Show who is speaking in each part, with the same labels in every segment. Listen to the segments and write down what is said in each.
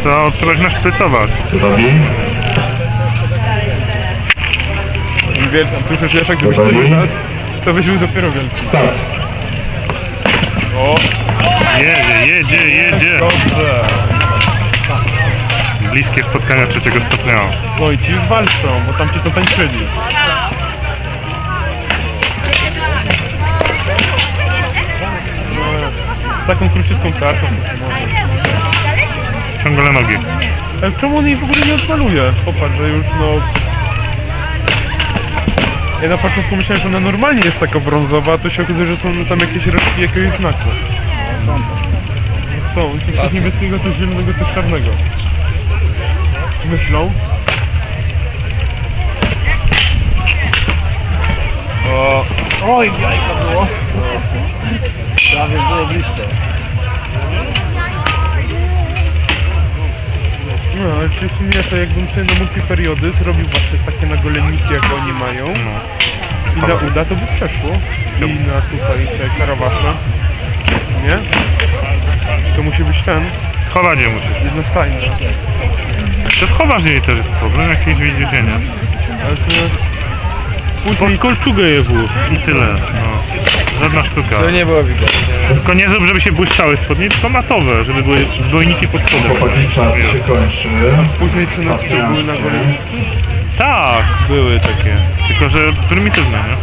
Speaker 1: To trzeba ich naszprycować.
Speaker 2: Gotowi?
Speaker 3: Słyszę, że jak gdybyś to nas, to byśmy dopiero wielki.
Speaker 2: Start.
Speaker 3: O!
Speaker 1: Jedzie.
Speaker 3: Dobrze!
Speaker 1: Bliskie spotkania trzeciego stopnia.
Speaker 3: No i ci już walczą, bo tam ci to tańczyli. Z taką króciutką kartą.
Speaker 1: Ciągle nogi.
Speaker 3: Ale czemu on jej w ogóle nie odmaluje? Popatrz, że już no... Ja na początku myślałem, że ona normalnie jest taka brązowa, a to się okazuje, że są tam jakieś resztki jakiegoś znaku. Są, coś niebieskiego, coś zielonego, coś czarnego. Myślą. O. Oj, jajka było. Prawie było blisko. No, ale czy w sumie to jakbym sobie na multiperiody zrobił właśnie takie nagoleniki, jak oni mają i na uda, to by przeszło. I na tutaj te karawasze. Nie? To musi być ten.
Speaker 1: Schowanie musisz.
Speaker 3: Jednostajny.
Speaker 1: To schowasz jej też jest problem, jakieś widzenie.
Speaker 3: Ale to...
Speaker 1: Pod kolczugę je włóż i tyle. No. Żadna sztuka.
Speaker 3: To nie było widać.
Speaker 1: Tylko nie zrób, żeby się błyszczały spodnie, tylko matowe, żeby były dwojniki pod spodem.
Speaker 2: Chłopaki, czas się kończy.
Speaker 3: Później co na wsi były nagoleniki.
Speaker 1: Tak, były takie. Tylko, że prymitywne, nie?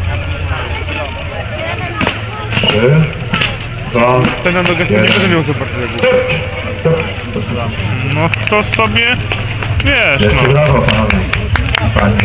Speaker 2: 3, 2,
Speaker 3: Ten na nogach nie będę miał zobaczyć jak było.
Speaker 2: stop.
Speaker 1: No to sobie, wiesz,
Speaker 2: Wielkie
Speaker 1: no.
Speaker 2: brawo, panowie. Panie.